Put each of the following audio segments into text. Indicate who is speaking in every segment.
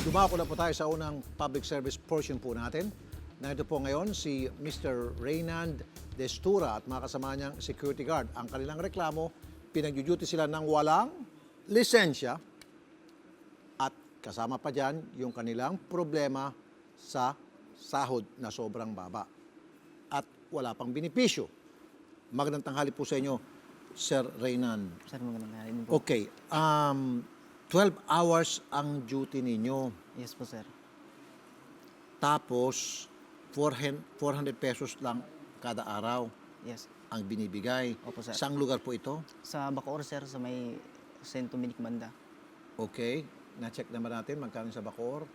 Speaker 1: Dumako na po tayo sa unang public service portion po natin. Nandito po ngayon si Mr. Reynand Destura at mga kasama niyang security guard. Ang kanilang reklamo, pinag-duty sila ng walang lisensya at kasama pa dyan yung kanilang problema sa sahod na sobrang baba at wala pang benepisyo. Magandang tanghali po sa inyo, Sir Reynand.
Speaker 2: Sir, magandang hari po.
Speaker 1: Okay, 12 hours ang duty ninyo.
Speaker 2: Yes po, sir.
Speaker 1: Tapos, 400 pesos lang kada araw
Speaker 2: Yes.
Speaker 1: ang binibigay.
Speaker 2: Opo, sir.
Speaker 1: Saang lugar po ito?
Speaker 2: Sa Bacoor, sir, sa may St. Dominic Banda.
Speaker 1: Okay. Na-check naman natin magkano sa Bacoor.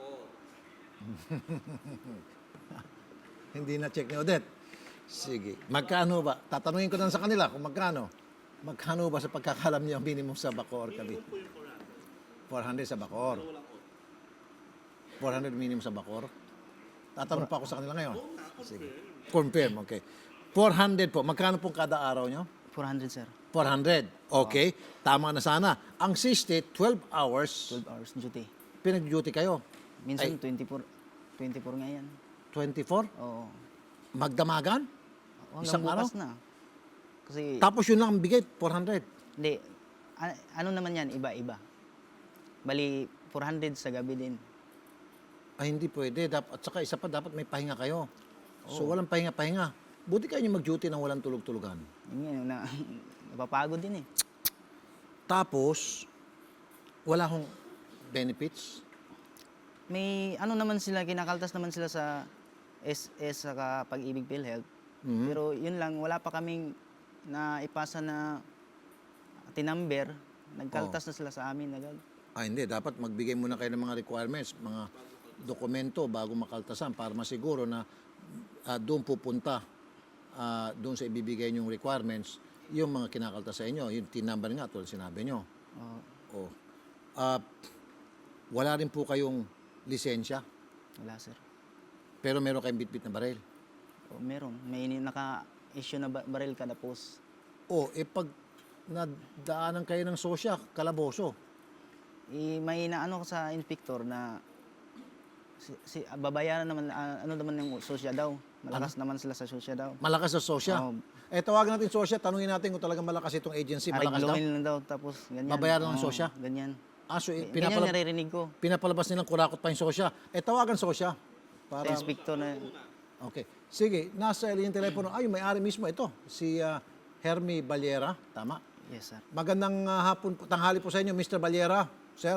Speaker 1: Hindi na-check ni Odette. Sige. Magkano ba? Tatanungin ko lang sa kanila kung magkano. Magkano ba sa pagkakalam niyo ang minimum sa Bacoor kami? 400 sa Bacoor. 400 minimum sa Bacoor. Tatanong pa ako sa kanila ngayon. Sige. Confirm, okay. 400 po. Magkano po kada araw nyo?
Speaker 2: 400, sir.
Speaker 1: 400. Okay. Tama na sana. Ang 60, 12 hours,
Speaker 2: 12 hours duty.
Speaker 1: pinag-duty kayo.
Speaker 2: Minsan,
Speaker 1: Ay.
Speaker 2: 24 nga yan.
Speaker 1: 24?
Speaker 2: Oo.
Speaker 1: Magdamagan?
Speaker 2: Hanggang
Speaker 1: Isang
Speaker 2: bukas na. Kasi,
Speaker 1: Tapos yun lang ang bigay, 400.
Speaker 2: hindi. Ano naman yan? Iba-iba. Bali, 400 sa gabi din.
Speaker 1: Ay, hindi pwede. At saka isa pa, dapat may pahinga kayo. So, walang pahinga-pahinga. Buti kayo yung mag-duty ng walang tulog-tulugan.
Speaker 2: Yun yan, napapagod din eh.
Speaker 1: Tapos, wala hong benefits.
Speaker 2: May ano naman sila, kinakaltas naman sila sa SS saka Pag-ibig PhilHealth. Pero yun lang, wala pa kaming naipasa na tinumber. Nagkaltas na sila sa amin agad.
Speaker 1: Ah, hindi. Dapat magbigay muna kayo ng mga requirements, mga dokumento bago makaltasan para masiguro na doon pupunta, doon sa ibibigay niyong requirements, yung mga kinakaltas sa inyo. Yung tinumber nga, tulad sinabi niyo. Oh. Wala rin po kayong lisensya,
Speaker 2: Wala, sir.
Speaker 1: pero meron kayong bitbit na baril.
Speaker 2: O, meron. May naka-issue na baril kada post.
Speaker 1: Pag nadaanan kayo ng sosya, kalaboso.
Speaker 2: May naano ko sa inspector na babayaran naman, ano naman yung sosya daw. Malakas naman sila sa sosya daw.
Speaker 1: Malakas sa sosya.
Speaker 2: Oo.
Speaker 1: Tawagan natin sosya, tanungin natin kung talagang malakas itong agency. Malakas daw.
Speaker 2: Arigluhin lang daw, tapos ganyan.
Speaker 1: Babayaran ng
Speaker 2: Oo,
Speaker 1: sosya?
Speaker 2: Ganyan.
Speaker 1: So,
Speaker 2: Ganyan naririnig ko.
Speaker 1: pinapalabas nilang kurakot pa yung sosya. Tawagan sosya.
Speaker 2: Sa inspector na,
Speaker 1: Okay. Sige, nasa yung telepono. Ay, yung may-ari mismo ito. Si Hermie Baliera. Tama.
Speaker 2: yes, sir.
Speaker 1: Magandang tanghali po sa inyo, Mr. Baliera. Sir.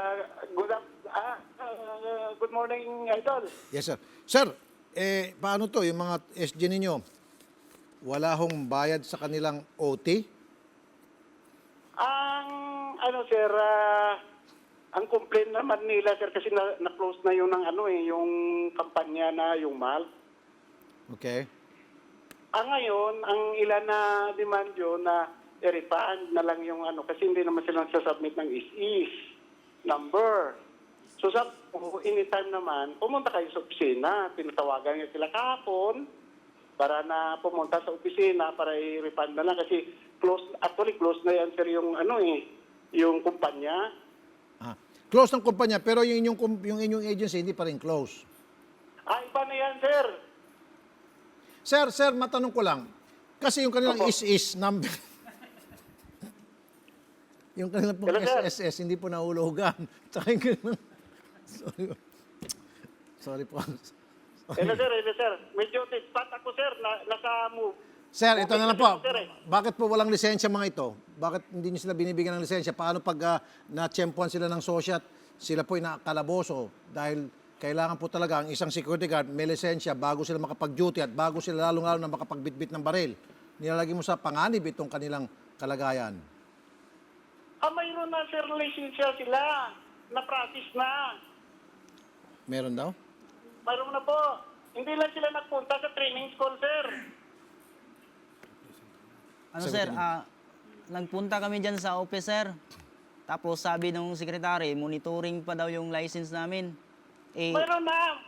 Speaker 3: Good morning, Idol.
Speaker 1: Yes, sir. Sir, paano to? Yung mga SG ninyo, wala hong bayad sa kanilang OT?
Speaker 3: Sir, ang complaint naman nila, sir, kasi na-close na yung yung kampanya na yung MAL.
Speaker 1: Okay.
Speaker 3: Ngayon, ang ilan na demand yun na i-refund na lang yung kasi hindi naman sila nagsasubmit ng is number. So, anytime naman, pumunta kayo sa opisina. Pinatawagan niya sila kahapon para na pumunta sa opisina para i-refund na lang kasi close na yan, sir, yung kumpanya.
Speaker 1: Close ng kumpanya, pero yung inyong agency hindi pa rin close.
Speaker 3: Iba na yan, sir.
Speaker 1: Sir, matanong ko lang. Kasi yung kanilang
Speaker 3: Opo.
Speaker 1: is number. Yung kanilang pong
Speaker 3: Hello, sir.
Speaker 1: SSS, hindi po nahulugan. Tsaka yung kanilang... Sorry po.
Speaker 3: Hello, sir. Medyo spot ako, sir. Nasa move.
Speaker 1: Sir, ito na lang po.
Speaker 3: Sir, eh.
Speaker 1: Bakit po walang lisensya mga ito? Bakit hindi niyo sila binibigyan ng lisensya? Paano pag na-tsempuan sila ng sosyat, sila po'y nakakalaboso? Dahil kailangan po talaga ang isang security guard may lisensya bago sila makapag-duty at bago sila lalong-lalo na makapagbitbit ng baril. Nilalagay mo sa panganib itong kanilang kalagayan.
Speaker 3: Mayroon na, sir, lisensya sila. Na-practice na.
Speaker 1: Meron daw?
Speaker 3: Mayroon na po. Hindi lang sila nagpunta sa training school, sir.
Speaker 2: Ano,
Speaker 1: Sagutin
Speaker 2: sir,
Speaker 1: niyo.
Speaker 2: nagpunta kami dyan sa office, sir. Tapos sabi ng sekretary, monitoring pa daw yung license namin.
Speaker 3: Mayroon na.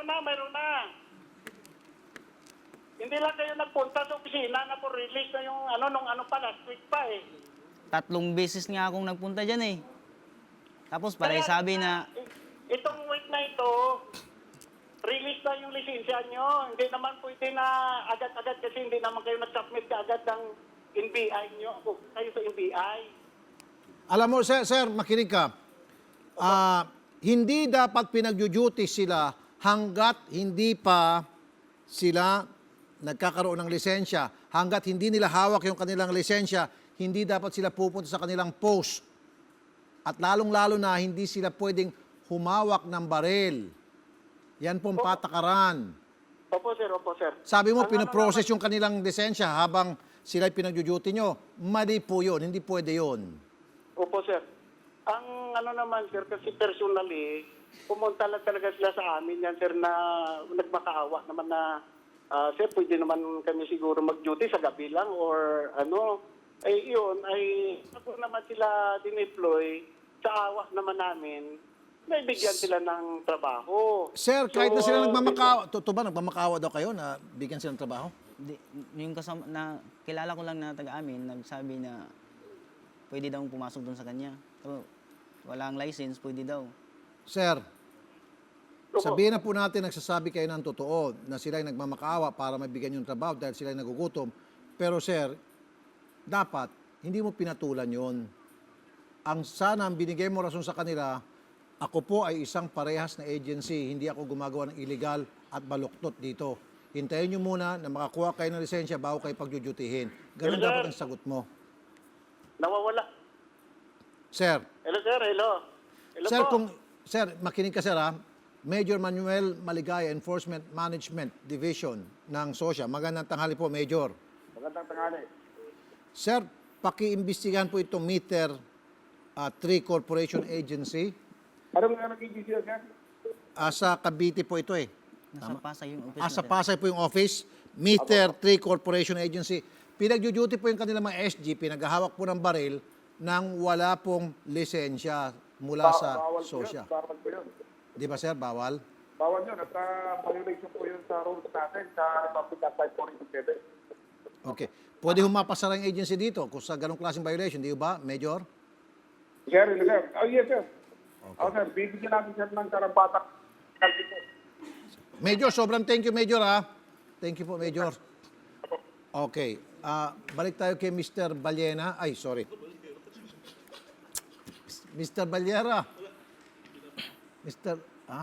Speaker 3: Hindi lang kayo nagpunta sa opisina na po release na yung nung pa, last week pa eh.
Speaker 2: 3 beses nga akong nagpunta dyan eh. Tapos parang
Speaker 3: Kaya
Speaker 2: sabi na
Speaker 3: itong week na ito, release na yung lisensya nyo. Hindi naman pwede na agad-agad kasi hindi naman kayo nag-submit agad ng NBI nyo. Kayo sa NBI.
Speaker 1: Alam mo, sir, makinig ka. Hindi dapat pinag-duty sila hanggat hindi pa sila nagkakaroon ng lisensya. Hanggat hindi nila hawak yung kanilang lisensya, hindi dapat sila pupunta sa kanilang post. At lalong-lalo na hindi sila pwedeng humawak ng baril. Yan pong patakaran.
Speaker 3: Opo, sir. Opo, sir.
Speaker 1: Sabi mo,
Speaker 3: Ang
Speaker 1: pinoprocess yung kanilang lisensya habang sila pinag-duty nyo. Mali po yun. Hindi pwede yun.
Speaker 3: Opo, sir. Ang ano naman, sir, kasi personally, pumunta lang talaga sila sa amin yan, sir, na nagmakaawa naman na, sir, pwede naman kami siguro mag-duty sa gabi lang or ano. Ay, yun, ay, ako naman sila dineploy sa awa naman namin, naibigyan sila ng trabaho.
Speaker 1: Sir, kahit na sila
Speaker 3: So,
Speaker 1: nagmamakaawa, totoo ba nagmamakaawa daw kayo na bigyan sila ng trabaho?
Speaker 2: Yung kasama na kilala ko lang na taga-amin, nagsabi na pwede daw pumasok doon sa kanya. So, walang license, pwede daw.
Speaker 1: Sir,
Speaker 3: Opo.
Speaker 1: sabihin na po natin nagsasabi kayo ng totoo na sila ay nagmamakaawa para mabigyan yung trabaho dahil sila ay nagugutom. Pero sir, dapat hindi mo pinatulan yon. Ang sana ang binigay mo rason sa kanila, ako po ay isang parehas na agency, hindi ako gumagawa ng illegal at baluktot dito. Hintayin nyo muna na makakuha kayo ng lisensya bago kayo pagjujutihin. Ganun
Speaker 3: Yes, sir.
Speaker 1: dapat ang sagot mo.
Speaker 3: Nawawala.
Speaker 1: Sir,
Speaker 3: Hello, sir. Hello. Hello
Speaker 1: sir,
Speaker 3: po.
Speaker 1: sir, makinig ka sir ha. Major Manuel Maligaya, Enforcement Management Division ng SOSYA. Magandang tanghali po, Major.
Speaker 4: Magandang tanghali.
Speaker 1: Sir, paki-imbestigahan po itong Meter 3 Corporation Agency.
Speaker 4: Ano nga nag-i-issue yan?
Speaker 1: Sa Cavite po ito eh.
Speaker 2: Nasa Pasay yung office
Speaker 1: Sa
Speaker 2: natin.
Speaker 1: Pasay po yung office. Meter 3 Corporation Agency. Pinag-duty po yung kanilang mga SG, pinaghahawak po ng baril nang wala pong lisensya mula sa
Speaker 4: Bawal po yun.
Speaker 1: SOSYA.
Speaker 4: Bawal po yun.
Speaker 1: Di ba sir, bawal?
Speaker 4: Bawal yun. At violation po yun sa rules natin sa Republic Act 5487.
Speaker 1: Okay. Pwede humapasara yung agency dito kung sa ganong klaseng violation, di ba, Major?
Speaker 4: Sir, sir. Oh, yes, sir. Oh, sir. Bibigyan natin sir ng karampatang penalty po.
Speaker 1: Major, sobrang thank you, Major, ha? Thank you po, Major. Okay. Balik tayo kay Mr. Ballena. Ay, sorry. Mr. Ballera. Mr.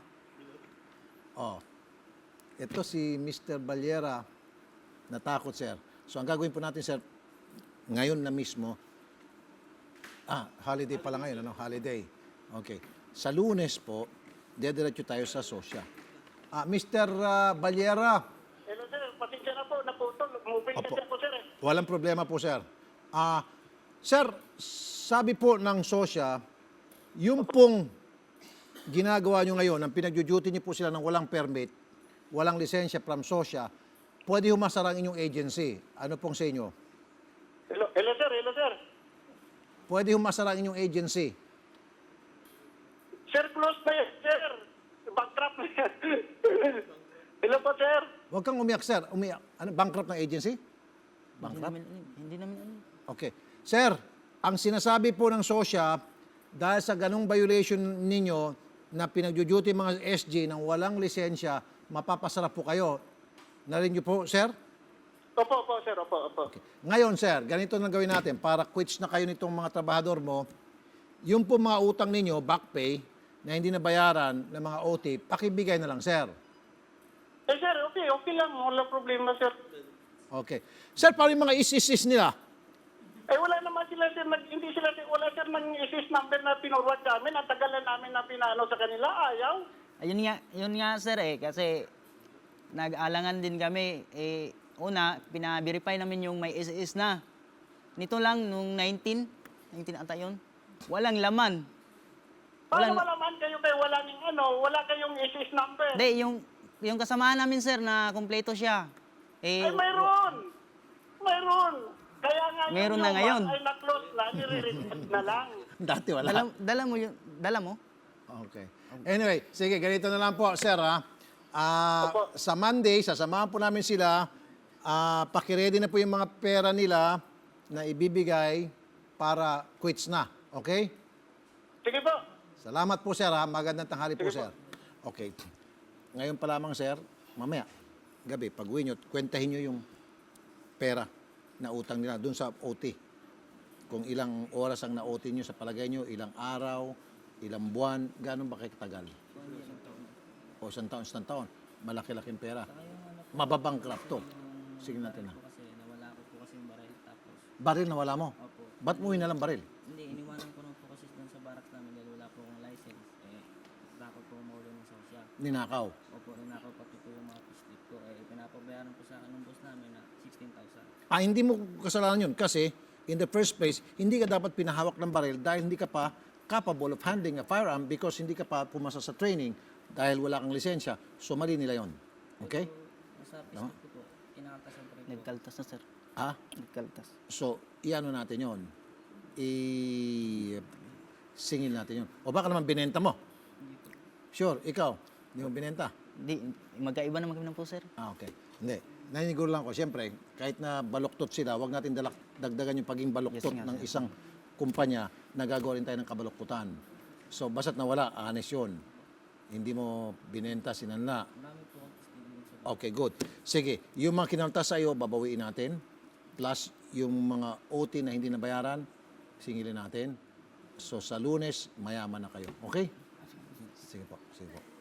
Speaker 1: Oh. Ito si Mr. Ballera. Natakot, sir. So, ang gagawin po natin, sir, ngayon na mismo, holiday pala ngayon, ano? Holiday. Okay. Sa Lunes po, dediretso tayo sa SOSYA. Mr. Ballera,
Speaker 3: Hello, sir. Pasensya na po. Naputol. Moving
Speaker 1: Opo.
Speaker 3: kasi ako, sir.
Speaker 1: walang problema po, sir. Sir, sabi po ng SOSYA, yung pong ginagawa nyo ngayon, ang pinag-duty nyo po sila ng walang permit, walang lisensya from SOSYA, pwede humasara ang inyong agency. Ano pong sa inyo?
Speaker 3: Hello, hello, sir. Hello, sir.
Speaker 1: Pwede humasara ang inyong agency.
Speaker 3: Sir, close na yan, sir. Bankrupt na yan. Hello po, sir.
Speaker 1: Huwag kang umiyak, sir. Umiyak. Ano, bankrupt ng agency?
Speaker 2: Hindi
Speaker 1: Bankrupt?
Speaker 2: namin alam. Hindi namin alam.
Speaker 1: Okay. Sir, ang sinasabi po ng SOSYA, dahil sa ganong violation ninyo na pinag-duty mga SG ng walang lisensya, mapapasarap po kayo. Narinig niyo po, sir?
Speaker 3: Opo, opo, sir. Opo, opo.
Speaker 1: Okay. Ngayon, sir, ganito na gawin natin para quits na kayo nitong mga trabahador mo. Yung po mga utang ninyo, back pay, na hindi nabayaran ng mga OT, pakibigay na lang, sir.
Speaker 3: Eh, sir, okay. Okay lang. Wala problema, sir.
Speaker 1: Okay. Sir, paano yung mga is nila?
Speaker 3: Eh, wala naman sila, sir. Hindi sila, sir. Wala, sir, ng ISIS number na pinurwad namin. Ang tagalan namin na pinano sa kanila. Ayaw.
Speaker 2: Ayun nga sir kasi nag-alangan din kami. Una, pina-verify namin yung may SS na. Nito lang, nung 19 ata yun, walang laman.
Speaker 3: Paano malaman kayo kayo wala kayong ISIS number?
Speaker 2: Hindi, yung kasamahan namin sir na kumpleto siya.
Speaker 3: Ay, mayroon. Mayroon. Kaya nga
Speaker 2: Meron
Speaker 3: yun
Speaker 2: na ngayon.
Speaker 3: Ay, na-close na. Nire-reset na lang.
Speaker 1: Dati wala.
Speaker 2: Dala mo?
Speaker 1: Okay. Anyway, sige, ganito na lang po, sir, ha?
Speaker 3: Opo.
Speaker 1: Sa Monday, sasamahan po namin sila. Pakiready na po yung mga pera nila na ibibigay para quits na. Okay?
Speaker 3: Sige po.
Speaker 1: Salamat po, sir, ha? Magandang tanghali po, sir. Okay. Ngayon pa lamang, sir, mamaya, gabi, pag uwi nyo, kwentahin nyo yung pera na utang nila dun sa OT. Kung ilang oras ang na-OT nyo sa palagay nyo, ilang araw, ilang buwan, gano'n ba kayo katagal? O isang taon. Malaki-laking pera. Mababangkrap to. Sige natin na.
Speaker 5: Kasi nawala ko po kasi yung baril tapos
Speaker 1: Baril na wala mo?
Speaker 5: opo.
Speaker 1: Ba't mo lang baril?
Speaker 5: Hindi, iniwanan ko na po kasi doon sa barak namin dahil wala po akong license. Takot po maulo ng sosya.
Speaker 1: Ninakaw.
Speaker 5: Opo, ninakaw pati po yung mga pislip ko. Pinapabayaran po sa akin ng boss namin na 16,000.
Speaker 1: Hindi mo kasalanan yun kasi in the first place, hindi ka dapat pinahawak ng baril dahil hindi ka pa capable of handling a firearm because hindi ka pa pumasa sa training dahil wala kang lisensya. So mali nila yon. Okay?
Speaker 5: Sa pislip ko po, kinakaltasan pa rin po.
Speaker 2: Nagkaltas na, sir.
Speaker 1: Ah?
Speaker 2: Nagkaltas.
Speaker 1: So, iano natin yon. Singil natin yon. O baka naman binenta mo? Sure, ikaw. Hindi mo binenta?
Speaker 2: Di, magkaiba naman kami ng po, sir.
Speaker 1: Okay. Hindi. Naninigur lang ko, siyempre, kahit na baluktot sila, wag natin dagdagan yung pagiging baluktot
Speaker 2: Yes, nga,
Speaker 1: ng
Speaker 2: sir.
Speaker 1: isang kumpanya na gagawin tayo ng kabaluktutan. So, basta't nawala, honest yun. Hindi mo binenta, sinanla.
Speaker 5: Marami po akong pislip din sa
Speaker 1: Okay, good. Sige, yung mga kinaltas sa iyo, babawiin natin. Plus, yung mga OT na hindi nabayaran, singilin natin. So, sa Lunes, mayaman na kayo. Okay? Sige po, sige po.